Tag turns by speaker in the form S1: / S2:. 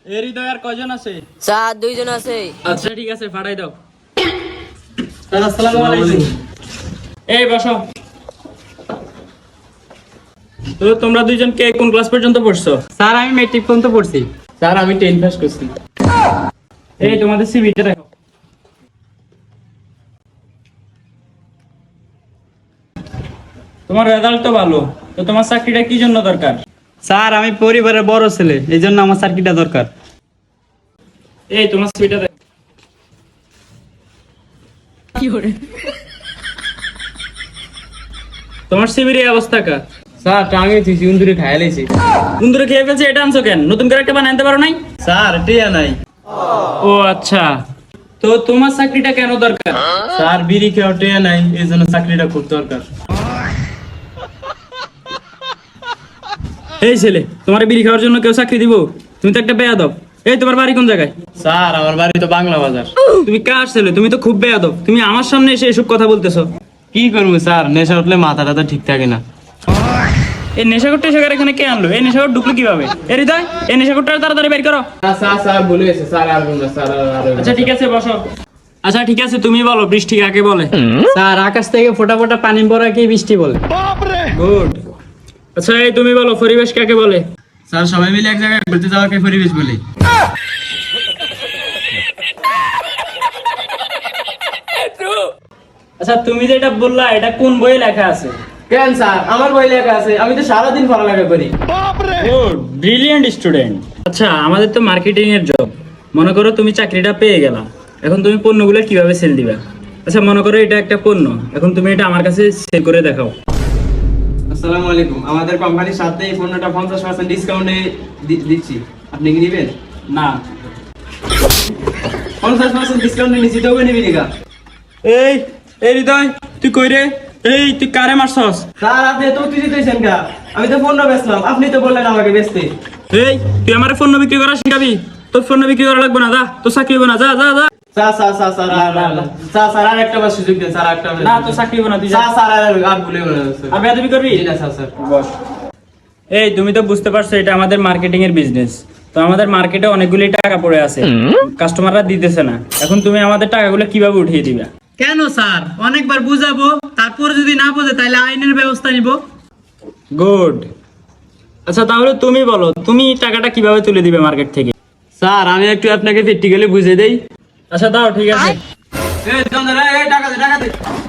S1: এর হৃদয় আর কয়জন আছে?
S2: স্যার 2 জন আছে।
S1: আচ্ছা ঠিক আছে, পাঠাই দাও। স্যার আসসালামু আলাইকুম। এই বসো। তো তোমরা দুইজন কে কোন ক্লাস পর্যন্ত পড়ছো?
S3: স্যার আমি মেট্রিক পর্যন্ত পড়ছি।
S1: স্যার আমি 10 পাস করছি। এই তোমাদের সিভিটা দেখো। তোমার রেজাল্ট তো ভালো, তো তোমার চাকরিটা কি জন্য দরকার?
S3: স্যার আমি পরিবারের বড় ছেলে, এই জন্য আমার চাকরিটা দরকার।
S1: এই তোমার সিভিটা দেখো। তোমার সিভির এই অবস্থা কা?
S3: স্যার টাঙ্গেছি ইন্দুরে খাইয়া লাইছি।
S1: বন্ধুরা খেয়ে ফেলছে, এটা আনছো কেন? নতুন করে একটা বানাইতে পারো নাই?
S3: স্যার টিয়া নাই।
S1: ও আচ্ছা, তো তোমার চাকরিটা কেন দরকার?
S3: স্যার বিড়ি খেয়ে টিয়া নাই, এই জন্য চাকরিটা খুব দরকার।
S1: এই ছেলে, তোমার বিড়ি খাওয়ার জন্য কেউ চাকরি দিব? তুমি তো একটা বেয়াদব। এই তোমার বাড়ি কোন জায়গায়?
S3: স্যার আমার বাড়ি তো বাংলা বাজার।
S1: তুমি কার ছেলে? তুমি তো খুব বেয়াদব। তুমি আমার সামনে এসে এসব কথা বলতেছো।
S3: কি করবো স্যার, নেশা উঠলে মাথাটা তো ঠিক থাকে না।
S1: এই নেশাখোর টেশাখোর এখানে কে আনলো? এই নেশাখোর ঢুকলো কিভাবে? এই হৃদয়, এই নেশাখোরটা তাড়াতাড়ি বের করো।
S3: স্যার স্যার ভুলে গেছে স্যার, আর বলুন না স্যার।
S1: আচ্ছা ঠিক আছে, বসো। আচ্ছা ঠিক আছে, তুমি বলো বৃষ্টি কাকে বলে?
S3: স্যার আকাশ থেকে ফোঁটা ফোঁটা পানি পড়াকে বৃষ্টি বলে।
S1: গুড। আচ্ছা এই তুমি বলো পরিবেশ কাকে বলে?
S3: স্যার সবাই মিলে এক জায়গায় ঘুরতে যাওয়াকে পরিবেশ বলে।
S1: আচ্ছা তুমি যেটা বললা, এটা কোন বইয়ে লেখা আছে?
S3: কেন স্যার, আমার বই লেখা আছে, আমি তো সারাদিন পড়ালেখা করি।
S1: Good, brilliant student. আচ্ছা আমাদের তো মার্কেটিং এর জব। মনে করো তুমি চাকরিটা পেয়ে গেলা, এখন তুমি পণ্যগুলো কিভাবে সেল দিবা? আচ্ছা মনে করো এটা একটা পণ্য, এখন তুমি এটা আমার কাছে সেল করে দেখাও।
S3: আসসালামু আলাইকুম, আমাদের কোম্পানির সাথে এই পণ্যটা 50% ডিসকাউন্টে দিচ্ছি, আপনি কি নেবেন?
S1: না।
S3: 50% ডিসকাউন্টে নিচ্ছি, তবে নিবি নিকা?
S1: এই এই হৃদয়, তুই কই রে? এই তুই কারে মারছস?
S3: স্যার আপনি তো তুই দিতেছেন কা? আমি তো পণ্য বেচলাম, আপনি তো বললেন আমাকে বেচতে।
S1: এই তুই আমার পণ্য বিক্রি করা শিখাবি? তোর পণ্য বিক্রি করা লাগবে না, যা। তোর চাকরি হবে না, যা যা যা।
S3: স্যার আর একটা বার সুযোগ দেন স্যার, একটা
S1: না তোর চাকরি হবে না, তুই যা।
S3: স্যার আর ভুলে গেলেন স্যার।
S1: আর বেয়াদবি করবি?
S3: Sir
S1: boss. এই তুমি তো বুঝতে পারছো এটা আমাদের মার্কেটিং এর বিজনেস। তো আমাদের মার্কেটে অনেকগুলি টাকা পড়ে আছে, কাস্টমাররা দিতেছে না। এখন তুমি আমাদের টাকাগুলো কিভাবে উঠিয়ে দিবা?
S3: কেন স্যার, অনেকবার বুঝাবো, তারপরে যদি না বোঝে তাহলে আইনের ব্যবস্থা নিব।
S1: গুড। আচ্ছা তাহলে তুমি বলো, তুমি টাকাটা কিভাবে তুলে দিবে মার্কেট থেকে?
S3: স্যার আমি একটু আপনাকে প্র্যাকটিক্যালি বুঝিয়ে দেই।
S1: আচ্ছা দাও, ঠিক আছে।
S3: টাকা দে